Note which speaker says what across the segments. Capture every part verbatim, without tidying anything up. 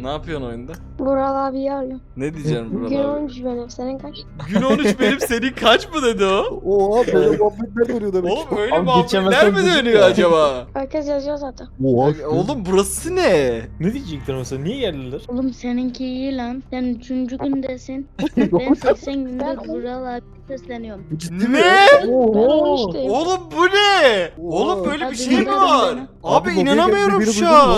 Speaker 1: Ne yapıyorsun oyunda?
Speaker 2: Vural abiyi arıyorum.
Speaker 1: Ne diyeceğim
Speaker 2: Gün
Speaker 1: buralar?
Speaker 2: on üç benim. Senin kaç?
Speaker 1: Gün on üç benim, senin kaç mı dedi o?
Speaker 3: Oha böyle muhabbetler dönüyor demek.
Speaker 1: Oğlum öyle
Speaker 4: Abi
Speaker 1: muhabbetler
Speaker 4: geçemezsen
Speaker 1: mi
Speaker 4: dedim
Speaker 1: dönüyor
Speaker 4: ya.
Speaker 1: acaba?
Speaker 2: Herkes yazıyor zaten.
Speaker 3: Oha.
Speaker 1: Oğlum burası ne?
Speaker 4: Ne diyecekler mesela? Niye geldiler?
Speaker 5: Oğlum seninki iyi lan. Sen üçüncü gündesin. Ben seksen gündür Vural abi sesleniyorum.
Speaker 3: Ciddi mi?
Speaker 1: Ne?
Speaker 2: Ben on üçteyim.
Speaker 1: Oğlum bu ne?
Speaker 3: Oha.
Speaker 1: Oğlum böyle bir
Speaker 5: Hadi
Speaker 1: şey mi
Speaker 5: gidelim
Speaker 1: var?
Speaker 5: bana.
Speaker 1: Abi,
Speaker 3: Abi lobiye
Speaker 1: inanamıyorum
Speaker 3: geldi, biri
Speaker 1: şu
Speaker 3: duydun mu?
Speaker 1: an.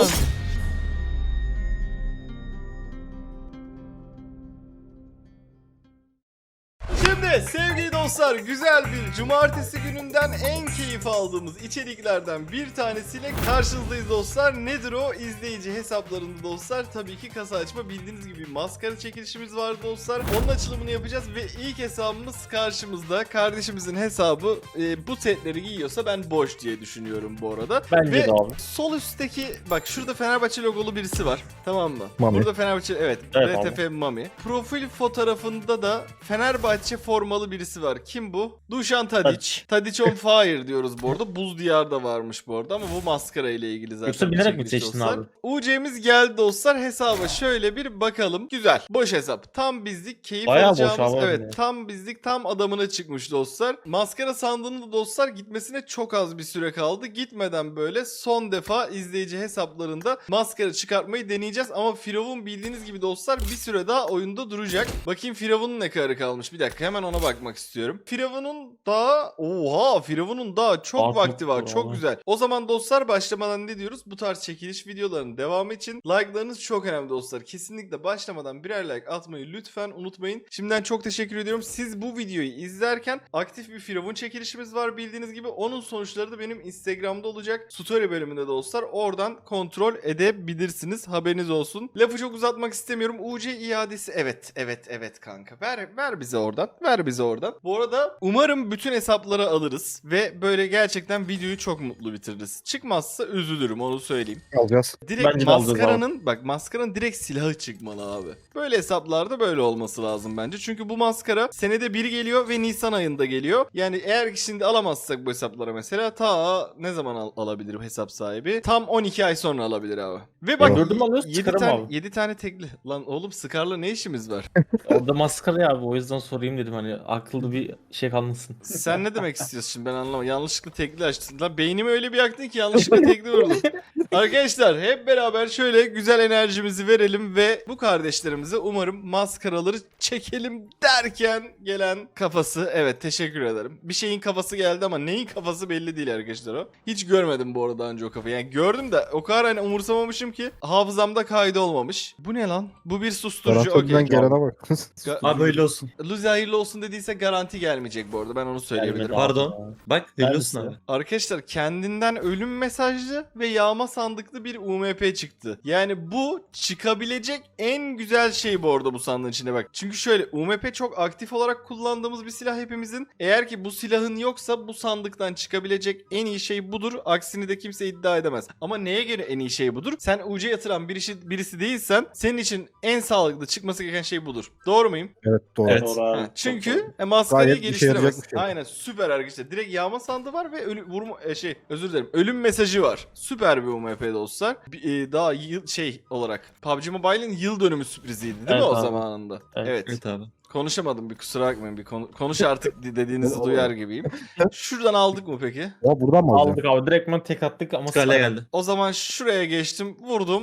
Speaker 1: Şimdi sevgili dostlar, güzel bir cumartesi gününden en keyif aldığımız içeriklerden bir tanesiyle karşınızdayız dostlar. Nedir o? İzleyici hesaplarında dostlar tabii ki kasa açma, bildiğiniz gibi maskara çekilişimiz var dostlar. Onun açılımını yapacağız ve ilk hesabımız karşımızda. Kardeşimizin hesabı e, bu setleri giyiyorsa ben boş diye düşünüyorum bu arada.
Speaker 4: Bence
Speaker 1: Ve
Speaker 4: de abi.
Speaker 1: sol üstteki bak şurada Fenerbahçe logolu birisi var. Tamam mı?
Speaker 3: Mami.
Speaker 1: Burada Fenerbahçe evet,
Speaker 4: Evet
Speaker 1: R T F Mami. Profil fotoğrafında da Fenerbahçe formalı birisi var. Kim bu? Dušan Tadić. Tadić on fire diyoruz bu arada. Buz Diyar'da varmış bu arada ama bu maskara ile ilgili zaten.
Speaker 4: Yoksa
Speaker 1: bir
Speaker 4: bilerek mi
Speaker 1: çekiliş
Speaker 4: seçtin
Speaker 1: dostlar.
Speaker 4: abi?
Speaker 1: U C'miz geldi dostlar. Hesaba şöyle bir bakalım. Güzel. Boş hesap. Tam bizlik, keyif
Speaker 4: Bayağı boş
Speaker 1: alacağımız.
Speaker 4: abi
Speaker 1: Evet,
Speaker 4: ya.
Speaker 1: tam bizlik, tam adamına çıkmış dostlar. Maskara sandığında da dostlar gitmesine çok az bir süre kaldı. Gitmeden böyle son defa izleyici hesaplarında maskara çıkartmayı deneyeceğiz. Ama Firavun bildiğiniz gibi dostlar bir süre daha oyunda duracak. Bakayım Firavun'un ne kadar kalmış. Bir dakika hemen ona bakmak istiyorum. Firavun'un daha... Oha! Firavun'un daha çok
Speaker 4: Daha
Speaker 1: vakti
Speaker 4: çok
Speaker 1: var.
Speaker 4: var
Speaker 1: Çok
Speaker 4: abi.
Speaker 1: güzel. O zaman dostlar başlamadan ne diyoruz? Bu tarz çekiliş videolarının devamı için like'larınız çok önemli dostlar. Kesinlikle başlamadan birer like atmayı lütfen unutmayın. Şimdiden çok teşekkür ediyorum. Siz bu videoyu izlerken aktif bir Firavun çekilişimiz var bildiğiniz gibi. Onun sonuçları da benim Instagram'da olacak. Story bölümünde dostlar. Oradan kontrol edebilirsiniz. Haberiniz olsun. Lafı çok uzatmak istemiyorum. U C iadesi evet evet evet kanka. Ver ver bize oradan. Ver bize oradan. Bu arada umarım bütün hesapları alırız ve böyle gerçekten videoyu çok mutlu bitiririz. Çıkmazsa üzülürüm, onu söyleyeyim.
Speaker 3: Alacağız.
Speaker 1: Direkt
Speaker 4: Bence de alacağız
Speaker 1: maskaranın bak maskaranın direkt silahı çıkmalı abi. Böyle hesaplarda böyle olması lazım bence. Çünkü bu maskara senede bir geliyor ve Nisan ayında geliyor. Yani eğer ki şimdi alamazsak bu hesaplara mesela ta ne zaman al- alabilir bu hesap sahibi? Tam on iki ay sonra alabilir abi. Ve bak
Speaker 3: Evet.
Speaker 4: Gördün mü alıyoruz,
Speaker 1: yedi
Speaker 4: çıkarım
Speaker 1: tane,
Speaker 4: abi.
Speaker 1: yedi tane tekli. Lan oğlum Scar'la ne işimiz var?
Speaker 4: Orada maskara ya abi, o yüzden sorayım dedim, hani akıllı bir şey kalmasın.
Speaker 1: Sen ne demek istiyorsun şimdi, ben anlamadım. Yanlışlıkla tekli açtın. Lan beynimi öyle bir yaktın ki yanlışlıkla tekli vurdum. Arkadaşlar hep beraber şöyle güzel enerjimizi verelim ve bu kardeşlerimize umarım maskaraları çekelim derken gelen kafası. Evet, teşekkür ederim. Bir şeyin kafası geldi ama neyin kafası belli değil arkadaşlar o. Hiç görmedim bu arada önce o kafayı. Yani gördüm de o kadar hani umursamamışım ki hafızamda kaydı olmamış. Bu ne lan? Bu bir susturucu.
Speaker 3: Garantörden
Speaker 1: Okey.
Speaker 3: gelene bak.
Speaker 1: Ga-
Speaker 6: Abi öyle olsun.
Speaker 1: Luzi hayırlı olsun dediyse garanti gelmeyecek bu arada, ben onu söyleyebilirim.
Speaker 4: Gelmedi abi
Speaker 6: Pardon.
Speaker 4: ya.
Speaker 6: Bak hayırlı
Speaker 4: Neredesin
Speaker 6: olsun abi.
Speaker 1: Arkadaşlar kendinden ölüm mesajlı ve yağma sandıklı bir U M P çıktı. Yani bu çıkabilecek en güzel şey bu arada bu sandığın içine bak. Çünkü şöyle, U M P çok aktif olarak kullandığımız bir silah hepimizin. Eğer ki bu silahın yoksa bu sandıktan çıkabilecek en iyi şey budur. Aksini de kimse iddia edemez. Ama neye göre en iyi şey budur? Sen U C yatıran birisi, birisi değilsen senin için en sağlıklı çıkması gereken şey budur. Doğru muyum?
Speaker 3: Evet doğru.
Speaker 6: Evet.
Speaker 4: Doğru abi.
Speaker 1: Ha,
Speaker 4: Çok
Speaker 1: çünkü
Speaker 4: doğru.
Speaker 1: e, maskarayı
Speaker 3: Gayet işe yarayacak
Speaker 1: geliştiremez.
Speaker 3: bir şey.
Speaker 1: Aynen, süper arkadaşlar. Direkt yağma sandığı var ve ölü, vurma e, şey özür dilerim. Ölüm mesajı var. Süper bir U M P dostlar. Bir, e, daha yıl, şey olarak P U B G Mobile'in yıl dönümü sürpriziydi değil
Speaker 4: Evet
Speaker 1: mi o
Speaker 4: abi.
Speaker 1: zamanında?
Speaker 4: Evet.
Speaker 1: Evet.
Speaker 6: Evet abi.
Speaker 1: Konuşamadım, bir kusura bakmayın. Bir konu- konuş artık dediğinizi
Speaker 3: Olur.
Speaker 1: duyar gibiyim. Şuradan aldık mı peki?
Speaker 3: Ya buradan mı alacağız?
Speaker 4: Aldık abi, direktman tek attık ama
Speaker 6: Scarlet
Speaker 4: sana-
Speaker 6: geldi.
Speaker 1: O zaman şuraya geçtim. Vurdum.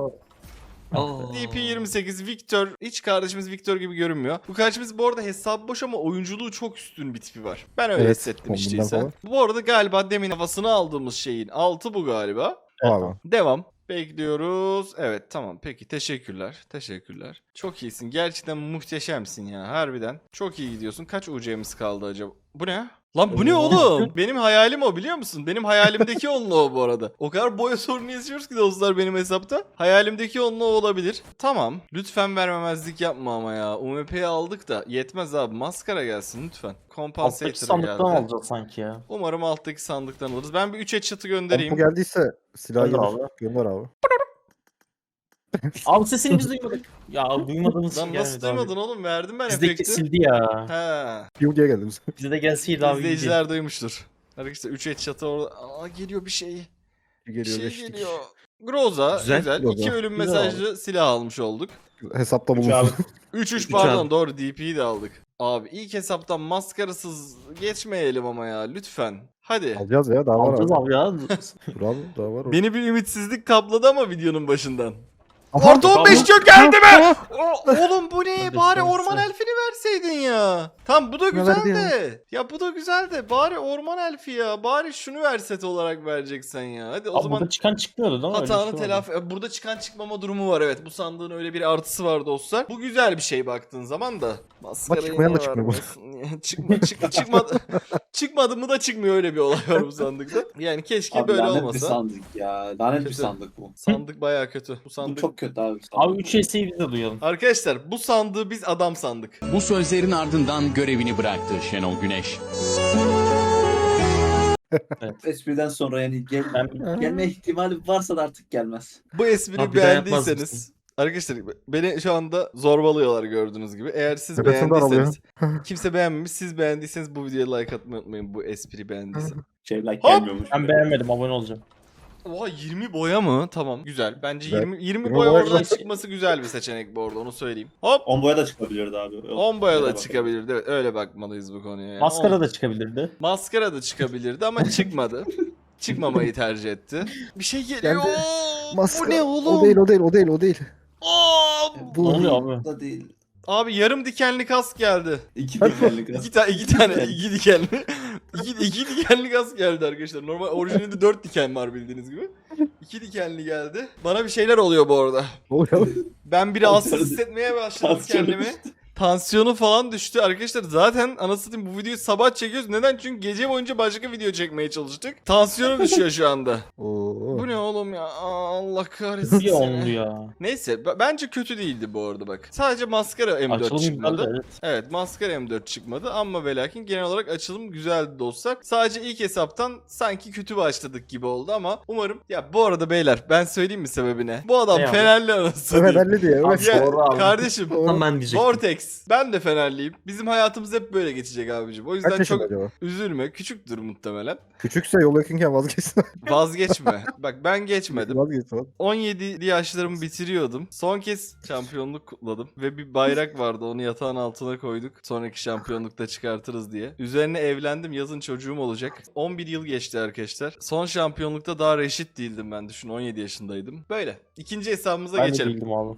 Speaker 6: Aa.
Speaker 1: D P yirmi sekiz Victor. Hiç kardeşimiz Victor gibi görünmüyor. Bu kardeşimiz bu arada hesabı boş ama oyunculuğu çok üstün bir tipi var. Ben öyle
Speaker 3: Evet,
Speaker 1: hissettim
Speaker 3: kombinler
Speaker 1: işteyse.
Speaker 3: falan.
Speaker 1: Bu arada galiba demin havasını aldığımız şeyin altı bu galiba.
Speaker 3: Abi.
Speaker 1: Devam. Bekliyoruz. Evet tamam, peki teşekkürler. Teşekkürler. Çok iyisin. Gerçekten muhteşemsin ya, harbiden. Çok iyi gidiyorsun. Kaç U C'miz kaldı acaba? Bu ne? Lan bu ne oğlum? Benim hayalim o, biliyor musun? Benim hayalimdeki onunla o bu arada. O kadar boya sorunu yaşıyoruz ki dostlar benim hesapta. Hayalimdeki onunla o olabilir. Tamam. Lütfen vermemezlik yapma ama ya. U M P'yi aldık da yetmez abi. Maskara gelsin lütfen.
Speaker 4: Alttaki
Speaker 1: Compensator
Speaker 4: sandıktan
Speaker 1: geldi.
Speaker 4: alacağız sanki ya.
Speaker 1: Umarım alttaki sandıktan alırız. Ben bir üç headshot'ı
Speaker 3: Bu
Speaker 1: göndereyim.
Speaker 3: geldiyse silah
Speaker 4: Gönder
Speaker 3: gelir.
Speaker 4: abi.
Speaker 3: Gönder abi.
Speaker 4: Abi sesini biz duymadık. Ya duymadığımız
Speaker 1: Lan
Speaker 4: için
Speaker 1: nasıl
Speaker 4: gelmedi abi.
Speaker 1: duymadın oğlum? Verdim ben
Speaker 4: Bizde
Speaker 1: efekti.
Speaker 4: kesildi ya.
Speaker 1: He.
Speaker 3: Piu diye geldi bize.
Speaker 4: Bize de gelseydi abi. iyiydi.
Speaker 1: İzleyiciler duymuştur. Arkadaşlar üç headshot'ı orada. Aa, geliyor bir şey.
Speaker 3: Geliyor
Speaker 1: şey
Speaker 3: geçtik.
Speaker 1: geliyor. Groza güzel.
Speaker 6: Güzel,
Speaker 1: İki
Speaker 3: Groza.
Speaker 1: ölüm
Speaker 4: Güzel
Speaker 1: mesajlı silah almış olduk.
Speaker 3: Hesapta
Speaker 4: Üç abi.
Speaker 3: bulunsun.
Speaker 1: üç üç
Speaker 6: Üç
Speaker 1: pardon
Speaker 6: abi.
Speaker 1: doğru D P'yi de aldık. Abi ilk hesaptan maskarasız geçmeyelim ama ya lütfen. Hadi.
Speaker 3: Alacağız ya daha var
Speaker 4: Alacağız
Speaker 3: abi.
Speaker 4: abi ya.
Speaker 3: Dur abi daha var.
Speaker 1: Beni bir ümitsizlik kapladı ama videonun başından.
Speaker 3: Aha!
Speaker 1: Orta on beş
Speaker 4: Bakalım.
Speaker 1: çok geldi mi? O, oğlum bu ne?
Speaker 4: Hadi
Speaker 1: Bari
Speaker 4: sen,
Speaker 1: orman
Speaker 4: sen.
Speaker 1: elfini verseydin ya. Tam bu da
Speaker 3: Ne
Speaker 1: güzel
Speaker 3: verdi ya?
Speaker 1: de. Ya bu da güzel de. Bari orman elfi ya. Bari şunu ver set olarak vereceksen ya. Hadi o
Speaker 4: Abi
Speaker 1: zaman
Speaker 4: burada çıkan çıkmıyordu değil mi? Öyle bir
Speaker 1: hatanı
Speaker 4: şey vardı.
Speaker 1: telafi... e, Burada çıkan çıkmama durumu var evet. Bu sandığın öyle bir artısı var dostlar. Bu güzel bir şey baktığın zaman da. Maskarayı
Speaker 3: çıkmayan
Speaker 1: niye
Speaker 3: da çıkmıyor bu.
Speaker 1: vermiyorsun? Çıkma, çık, çıkmadı. Çıkmadı mı da çıkmıyor, öyle bir olay var bu sandıkta. Yani keşke
Speaker 6: Abi
Speaker 1: böyle
Speaker 6: lanet bir
Speaker 1: olmasa.
Speaker 6: sandık ya. Lanet bir
Speaker 1: Kötü.
Speaker 6: sandık bu.
Speaker 1: Sandık bayağı kötü. Bu
Speaker 6: Bu
Speaker 1: sandık.
Speaker 6: çok kötü abi.
Speaker 4: Abi üç S'yi biz de duyalım.
Speaker 1: Arkadaşlar bu sandığı biz adam sandık.
Speaker 7: Bu sözlerin ardından görevini bıraktı Şenol Güneş.
Speaker 6: Espriden sonra yani gel,
Speaker 4: Ben
Speaker 6: gelme ihtimali varsa da artık gelmez.
Speaker 1: Bu espriyi
Speaker 4: Abi bir daha yapmaz
Speaker 1: beğendiyseniz
Speaker 4: mısın?
Speaker 1: arkadaşlar beni şu anda zorbalıyorlar gördüğünüz gibi. Eğer siz
Speaker 3: Tepesinde
Speaker 1: beğendiyseniz, kimse beğenmemiş, siz beğendiyseniz bu videoya like atmayı unutmayın bu espriyi beğendiysen.
Speaker 6: Şey like
Speaker 1: Hop!
Speaker 6: gelmiyormuş.
Speaker 4: ben beğenmedim, abone olacağım.
Speaker 1: Oha yirmi boya mı? Tamam güzel. Bence
Speaker 3: Güzel.
Speaker 1: yirmi, yirmi
Speaker 3: yirmi
Speaker 1: boya
Speaker 3: boya
Speaker 1: oradan
Speaker 3: güzel.
Speaker 1: çıkması güzel bir seçenek bu arada, onu söyleyeyim. Hop
Speaker 6: on boya da çıkabilirdi abi.
Speaker 1: on boya
Speaker 6: Öyle
Speaker 1: da
Speaker 6: bakalım.
Speaker 1: çıkabilirdi. Evet, öyle bakmalıyız bu konuya. Yani.
Speaker 4: Maskara
Speaker 1: On-
Speaker 4: da çıkabilirdi.
Speaker 1: Maskara da çıkabilirdi ama çıkmadı. Çıkmamayı tercih etti. Bir şey geliyor.
Speaker 3: Geldi.
Speaker 1: Bu
Speaker 3: Maskara.
Speaker 1: ne oğlum?
Speaker 3: O değil o değil o değil o değil.
Speaker 1: Aa,
Speaker 4: Ne
Speaker 3: Bu
Speaker 4: oluyor abi?
Speaker 6: Da değil.
Speaker 1: abi yarım dikenli kask geldi.
Speaker 6: İki dikenlik
Speaker 1: İki tane iki tane iki dikenli. iki, iki dikenli kask geldi arkadaşlar. Normal orijinalinde dört diken var bildiğiniz gibi. İki dikenli geldi. Bana bir şeyler oluyor bu arada.
Speaker 3: Ne oluyor?
Speaker 1: Ben bir rahatsız hissetmeye başladım
Speaker 6: Tansiyonu
Speaker 1: kendimi.
Speaker 6: düştü.
Speaker 1: Tansiyonu falan düştü arkadaşlar. Zaten anasını satayım bu videoyu sabah çekiyoruz. Neden? Çünkü gece boyunca başka video çekmeye çalıştık. Tansiyonu düşüyor şu anda.
Speaker 3: Oo.
Speaker 1: Bu ne oğlum ya? Aa, Allah kahretsin
Speaker 4: Bir
Speaker 1: seni.
Speaker 4: onlu ya.
Speaker 1: Neyse b- bence kötü değildi bu arada bak. Sadece maskara M dört
Speaker 4: Açılım
Speaker 1: çıkmadı.
Speaker 4: güzeldi, evet.
Speaker 1: Evet maskara M dört çıkmadı ama ve lakin genel olarak açılım güzeldi dostlar. Sadece ilk hesaptan sanki kötü başladık gibi oldu ama umarım. Ya bu arada beyler ben söyleyeyim mi sebebine? Bu adam
Speaker 4: Ne abi?
Speaker 1: Fenerli anasını
Speaker 3: Evet
Speaker 1: satayım.
Speaker 3: halli diye. Evet.
Speaker 1: Ya,
Speaker 4: Doğru abi.
Speaker 1: kardeşim
Speaker 3: Doğru.
Speaker 6: ben diyecektim.
Speaker 1: Vortex. Ben de Fenerliyim. Bizim hayatımız hep böyle geçecek abicim. O yüzden
Speaker 3: Kaç yaşında
Speaker 1: çok
Speaker 3: acaba?
Speaker 1: üzülme. Küçüktür muhtemelen.
Speaker 3: Küçükse yol yakınken vazgeçsin.
Speaker 1: Vazgeçme. Bak ben geçmedim.
Speaker 3: Vazgeçsin.
Speaker 1: on yedi yaşlarımı bitiriyordum. Son kez şampiyonluk kutladım. Ve bir bayrak vardı. Onu yatağın altına koyduk. Sonraki şampiyonlukta çıkartırız diye. Üzerine evlendim. Yazın çocuğum olacak. on bir yıl geçti arkadaşlar. Son şampiyonlukta daha reşit değildim ben. Düşün on yedi yaşındaydım. Böyle. İkinci hesabımıza
Speaker 4: Ben de
Speaker 1: geçelim.
Speaker 4: bildim abi.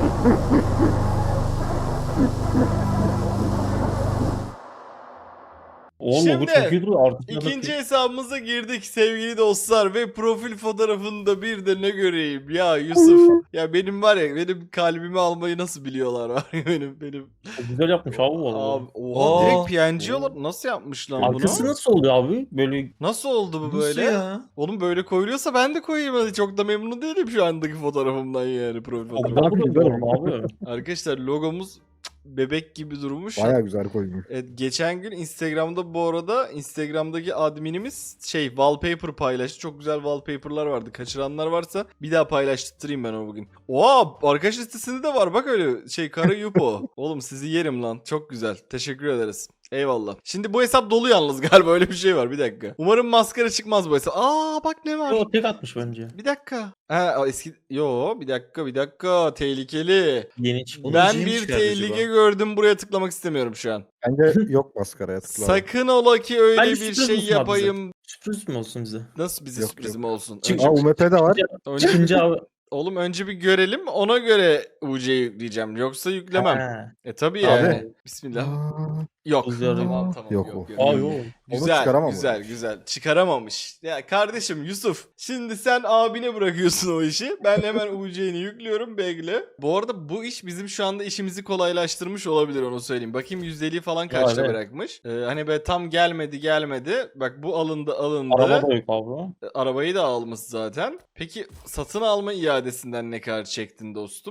Speaker 4: Oğlum
Speaker 1: Şimdi,
Speaker 4: bu çok iyi duruyor artık.
Speaker 1: İkinci hesabımıza girdik sevgili dostlar ve profil fotoğrafında bir de ne göreyim ya Yusuf. Ya benim var ya benim kalbimi almayı nasıl biliyorlar var ya benim benim.
Speaker 4: Güzel yapmış abi bu arada.
Speaker 1: Abi, oha
Speaker 6: Aa.
Speaker 1: direkt P N G olarak nasıl yapmışlar bunu?
Speaker 4: Arkası nasıl oluyor abi? Böyle
Speaker 1: Nasıl oldu bu
Speaker 6: Nasıl
Speaker 1: böyle?
Speaker 6: ya?
Speaker 1: Oğlum böyle koyuluyorsa ben de koyayım. Hadi çok da memnun değilim şu andaki fotoğrafımdan yani profil
Speaker 4: çok
Speaker 1: fotoğrafı.
Speaker 4: daha güzel
Speaker 3: güzel
Speaker 4: abi.
Speaker 1: Arkadaşlar logomuz bebek gibi durmuş.
Speaker 3: Baya güzel koymuş.
Speaker 1: Evet, geçen gün Instagram'da bu arada Instagram'daki adminimiz şey wallpaper paylaştı. Çok güzel wallpaper'lar vardı. Kaçıranlar varsa bir daha paylaştırayım ben onu bugün. Oha arkadaş listesinde de var. Bak öyle şey kara yupo. Oğlum sizi yerim lan. Çok güzel. Teşekkür ederiz. Eyvallah. Şimdi bu hesap dolu yalnız galiba öyle bir şey var. Bir dakika. Umarım maskara çıkmaz bu hesap. Aa bak ne var.
Speaker 4: O tek atmış bence.
Speaker 1: Bir dakika. Ha o eski yo bir dakika bir dakika tehlikeli.
Speaker 4: Yeni çıktı.
Speaker 1: Ben
Speaker 6: Onun
Speaker 1: bir
Speaker 6: neymiş
Speaker 1: tehlike
Speaker 6: acaba?
Speaker 1: gördüm. Buraya tıklamak istemiyorum şu an.
Speaker 3: Bence yok maskaraya tıkla.
Speaker 1: Sakın ola ki öyle
Speaker 4: Bence
Speaker 1: bir
Speaker 4: sürpriz
Speaker 1: şey
Speaker 4: olsun abi
Speaker 1: yapayım.
Speaker 4: Sürpriz mi olsun bize?
Speaker 1: Nasıl bize
Speaker 3: Yok,
Speaker 1: sürprizim olsun?
Speaker 4: Çık-
Speaker 1: Önce,
Speaker 3: Aa U M P'de var.
Speaker 1: önce,
Speaker 4: Çıkınca abi.
Speaker 1: oğlum önce bir görelim ona göre U C'yi yükleyeceğim. Yoksa yüklemem.
Speaker 4: Ha.
Speaker 1: E tabi
Speaker 3: Abi.
Speaker 1: yani. Bismillah.
Speaker 3: Aa,
Speaker 1: Yok.
Speaker 4: Güzel.
Speaker 1: Tamam tamam.
Speaker 3: Yok
Speaker 1: Yok,
Speaker 3: o.
Speaker 1: yok.
Speaker 4: Aa yok.
Speaker 3: Onu
Speaker 1: Güzel,
Speaker 3: çıkaramam
Speaker 1: güzel, güzel. Çıkaramamış. Ya kardeşim Yusuf, şimdi sen abine bırakıyorsun o işi. Ben hemen U C'ni yüklüyorum, bekle. Bu arada bu iş bizim şu anda işimizi kolaylaştırmış olabilir onu söyleyeyim. Bakayım yüzdeliği falan kaçta
Speaker 4: evet.
Speaker 1: bırakmış. Ee, hani böyle tam gelmedi gelmedi. Bak bu alındı alındı.
Speaker 4: Araba da yok abi.
Speaker 1: E, Arabayı da almış zaten. Peki satın alma iadesinden ne kadar çektin dostum?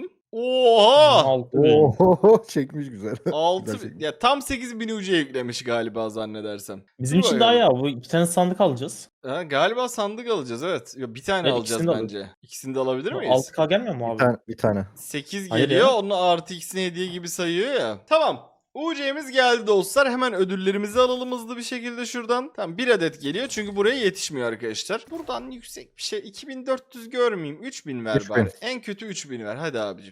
Speaker 1: Oha!
Speaker 4: Altı bin.
Speaker 3: Oo çekmiş güzel.
Speaker 1: altı
Speaker 3: Güzel çekmiş.
Speaker 1: ya tam sekiz bin U C yüklemiş galiba zannedersem.
Speaker 4: Bizim için daha ya bu iki tane sandık alacağız.
Speaker 1: Ha, galiba sandık alacağız evet. Ya, bir tane
Speaker 4: Evet,
Speaker 1: alacağız
Speaker 4: ikisini de
Speaker 1: bence. İkisini de alabilir
Speaker 4: Bu
Speaker 1: miyiz?
Speaker 4: altı K gelmiyor mu
Speaker 3: Bir
Speaker 4: abi?
Speaker 3: tane. Bir tane.
Speaker 1: sekiz
Speaker 4: Hayır
Speaker 1: geliyor.
Speaker 4: ya.
Speaker 1: Onu artı ikisini hediye gibi sayıyor ya. Tamam. U C'miz geldi dostlar. Hemen ödüllerimizi alalım hızlı bir şekilde şuradan. Tamam bir adet geliyor çünkü buraya yetişmiyor arkadaşlar. Buradan yüksek bir şey. iki bin dört yüz görmeyeyim. üç bin ver
Speaker 3: üç bin.
Speaker 1: bari. En kötü üç bin ver. Hadi abicim.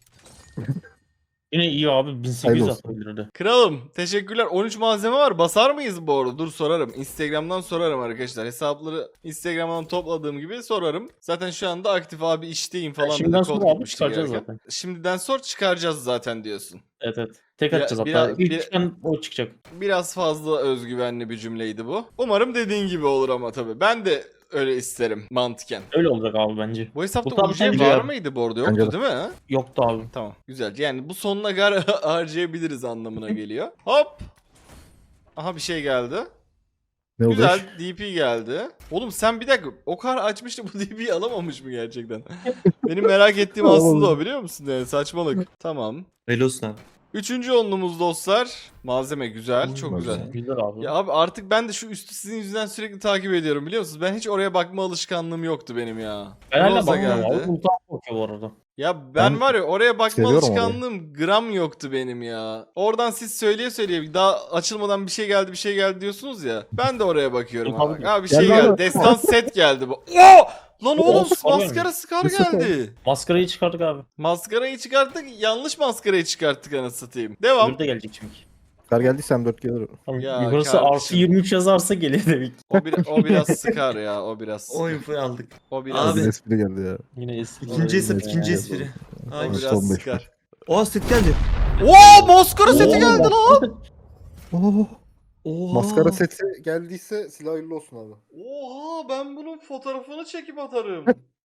Speaker 4: Yine iyi abi bin sekiz
Speaker 3: Hayırlı
Speaker 4: yüz
Speaker 3: olsun.
Speaker 4: atabilirdi.
Speaker 1: Kralım teşekkürler. on üç malzeme var. Basar mıyız bu arada? Dur sorarım. Instagram'dan sorarım arkadaşlar. Hesapları Instagram'dan topladığım gibi sorarım. Zaten şu anda aktif abi işteyim falan.
Speaker 4: Şimdiden
Speaker 1: dedi,
Speaker 4: sonra
Speaker 1: kod
Speaker 4: abi
Speaker 1: gitmişti
Speaker 4: çıkaracağız
Speaker 1: gelirken.
Speaker 4: zaten.
Speaker 1: Şimdiden sonra çıkaracağız zaten diyorsun.
Speaker 4: Evet evet. Tek
Speaker 1: Ya,
Speaker 4: atacağız
Speaker 1: biraz-
Speaker 4: hatta. İlk
Speaker 1: bir-
Speaker 4: çıkan o çıkacak.
Speaker 1: Biraz fazla özgüvenli bir cümleydi bu. Umarım dediğin gibi olur ama tabii. Ben de öyle isterim mantıken.
Speaker 4: Öyle olacak abi bence.
Speaker 1: Bu hesapta
Speaker 4: Bu tam
Speaker 1: U C
Speaker 4: sence
Speaker 1: var
Speaker 4: ya.
Speaker 1: mıydı bu arada?
Speaker 3: Bence
Speaker 1: Yoktu
Speaker 3: de.
Speaker 1: değil mi?
Speaker 4: Yoktu abi.
Speaker 1: Tamam güzel. Yani bu sonuna kadar harcayabiliriz anlamına geliyor. Hop. Aha bir şey geldi.
Speaker 3: Ne oldu?
Speaker 1: Güzel D P geldi. Oğlum sen bir dakika o kadar açmıştı bu D P'yi alamamış mı gerçekten? Benim merak ettiğim aslında o biliyor musun? Yani saçmalık. Tamam.
Speaker 8: Velosan.
Speaker 1: Üçüncü onlumuz dostlar. Malzeme güzel. Çok
Speaker 3: Malzeme.
Speaker 1: güzel.
Speaker 4: Güzel abi.
Speaker 1: Ya abi artık ben de şu üstü sizin yüzünden sürekli takip ediyorum biliyor musunuz? Ben hiç oraya bakma alışkanlığım yoktu benim ya.
Speaker 4: ben hala
Speaker 1: Rosa
Speaker 4: bakmıyorum abi.
Speaker 1: geldi.
Speaker 4: Ultan bakıyor bu arada.
Speaker 1: Ya ben,
Speaker 3: Ben
Speaker 1: var ya oraya bakma
Speaker 3: seviyorum
Speaker 1: alışkanlığım gram yoktu benim ya. Oradan siz söyleye söyleye daha açılmadan bir şey geldi bir şey geldi diyorsunuz ya. Ben de oraya bakıyorum
Speaker 4: Tabii.
Speaker 1: abi. Abi bir şey
Speaker 3: Geldi
Speaker 1: geldi.
Speaker 3: abi.
Speaker 1: Destan set geldi bu. Oo! Lan
Speaker 4: Oo,
Speaker 1: oğlum
Speaker 4: Scar
Speaker 1: maskara
Speaker 4: gelmiş.
Speaker 1: Scar
Speaker 3: Bu Scar.
Speaker 1: geldi.
Speaker 4: Maskarayı çıkardık abi.
Speaker 1: Maskarayı çıkarttık. Yanlış maskarayı çıkarttık anasını satayım. Devam.
Speaker 4: Öbürü de gelecek çünkü.
Speaker 3: Kar geldiyse M dört gelir.
Speaker 4: Tamam.
Speaker 1: Ya
Speaker 4: Yukarısı
Speaker 1: kardeşim.
Speaker 4: artı yirmi üç yazarsa gelir demek.
Speaker 1: O, bir, o biraz sıkar ya. O biraz
Speaker 8: O infoyu aldık.
Speaker 1: O biraz,
Speaker 8: Abi.
Speaker 3: Bir espri geldi ya.
Speaker 4: Yine eski.
Speaker 8: İkinci hesap,
Speaker 3: Evet,
Speaker 8: ikinci
Speaker 3: evet.
Speaker 8: espri.
Speaker 1: o
Speaker 8: Ay.
Speaker 3: Evet.
Speaker 1: biraz
Speaker 3: Son beş
Speaker 1: sıkar.
Speaker 8: O set geldi.
Speaker 1: Oo maskara seti
Speaker 4: Oo,
Speaker 1: geldi lan.
Speaker 3: Oo,
Speaker 8: Oha.
Speaker 3: maskara seti geldiyse silah hayırlı olsun abi.
Speaker 1: Oha ben bunun fotoğrafını çekip atarım.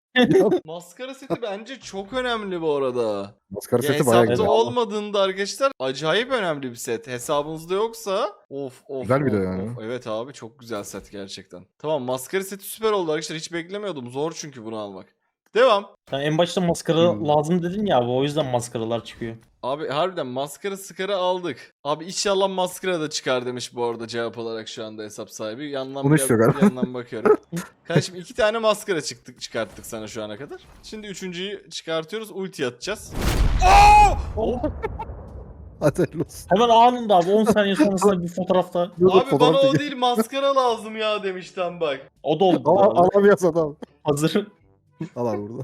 Speaker 1: Maskara seti bence çok önemli bu arada.
Speaker 3: Maskara
Speaker 1: Ya
Speaker 3: seti bayağı
Speaker 1: hesapta
Speaker 3: güzel.
Speaker 1: olmadığında arkadaşlar acayip önemli bir set. Hesabınızda yoksa of of.
Speaker 3: Güzel bir de
Speaker 1: of,
Speaker 3: yani.
Speaker 1: of. Evet abi çok güzel set gerçekten. Tamam maskara seti süper oldu arkadaşlar. Hiç beklemiyordum. Zor çünkü bunu almak. Devam.
Speaker 4: Sen en başta maskara
Speaker 3: Hmm.
Speaker 4: lazım dedin ya abi o yüzden maskaralar çıkıyor.
Speaker 1: Abi harbiden maskara sıkarı aldık. Abi inşallah maskara da çıkar demiş bu arada cevap olarak şu anda hesap sahibi. Yandan,
Speaker 3: Bunu
Speaker 1: bir,
Speaker 3: istiyor galiba.
Speaker 1: yandan bakıyorum. Kardeşim iki tane maskara çıktık çıkarttık sana şu ana kadar. Şimdi üçüncüyü çıkartıyoruz. Ulti atacağız.
Speaker 3: Hadi hayırlı olsun.
Speaker 4: Hemen anında abi on saniye sonrasında bir fotoğrafta.
Speaker 3: Dur, dur,
Speaker 1: Abi bana
Speaker 3: fotoğraf
Speaker 1: o
Speaker 3: çekin.
Speaker 1: değil maskara lazım ya demişten bak.
Speaker 4: O da oldu.
Speaker 3: Al, al
Speaker 4: abi.
Speaker 3: abi yaz adam.
Speaker 4: Hazır.
Speaker 3: Al abi burada.